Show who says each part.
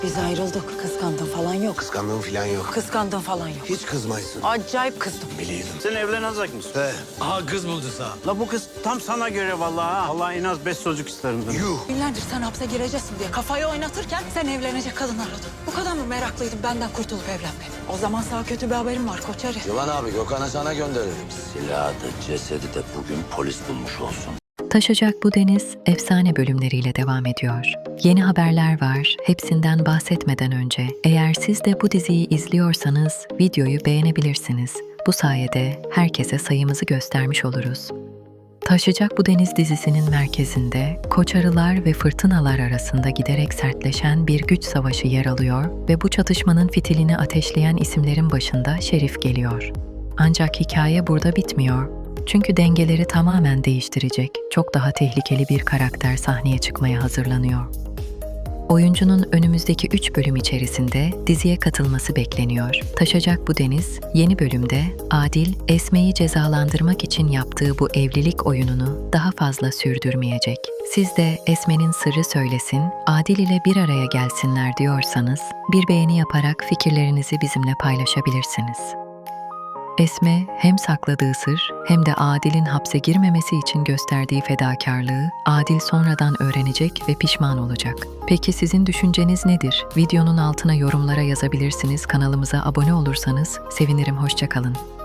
Speaker 1: Biz ayrıldık. Kıskandın falan yok.
Speaker 2: Kıskandığım falan yok.
Speaker 1: Kıskandın falan yok.
Speaker 2: Hiç kızmaysın.
Speaker 1: Acayip kızdım.
Speaker 2: Biliyordum.
Speaker 3: Sen evlenecek misin?
Speaker 2: He.
Speaker 4: Aha kız buldu sana.
Speaker 3: La bu kız tam sana göre vallahi ha. Allah en az 5 çocuk isterim ben.
Speaker 2: Yuh.
Speaker 1: Günlerdir sen hapse gireceksin diye kafayı oynatırken sen evlenecek kadın aradın. Bu kadar mı meraklıydın benden kurtulup evlenmeye? O zaman sana kötü bir haberim var Koçeri.
Speaker 5: Yılan abi Gökhan'a sana gönderirim. Silahı da cesedi de bugün polis bulmuş olsun.
Speaker 6: Taşacak bu deniz efsane bölümleriyle devam ediyor. Yeni haberler var. Hepsinden bahsetmeden önce eğer siz de bu diziyi izliyorsanız videoyu beğenebilirsiniz. Bu sayede herkese sayımızı göstermiş oluruz. Taşacak bu deniz dizisinin merkezinde koçarılar ve fırtınalar arasında giderek sertleşen bir güç savaşı yer alıyor ve bu çatışmanın fitilini ateşleyen isimlerin başında Şerif geliyor. Ancak hikaye burada bitmiyor. Çünkü dengeleri tamamen değiştirecek, çok daha tehlikeli bir karakter sahneye çıkmaya hazırlanıyor. Oyuncunun önümüzdeki 3 bölüm içerisinde diziye katılması bekleniyor. Taşacak bu deniz, yeni bölümde Adil, Esme'yi cezalandırmak için yaptığı bu evlilik oyununu daha fazla sürdürmeyecek. Siz de Esme'nin sırrı söylesin, Adil ile bir araya gelsinler diyorsanız, bir beğeni yaparak fikirlerinizi bizimle paylaşabilirsiniz. Esme hem sakladığı sır hem de Adil'in hapse girmemesi için gösterdiği fedakarlığı Adil sonradan öğrenecek ve pişman olacak. Peki sizin düşünceniz nedir? Videonun altına yorumlara yazabilirsiniz. Kanalımıza abone olursanız sevinirim. Hoşça kalın.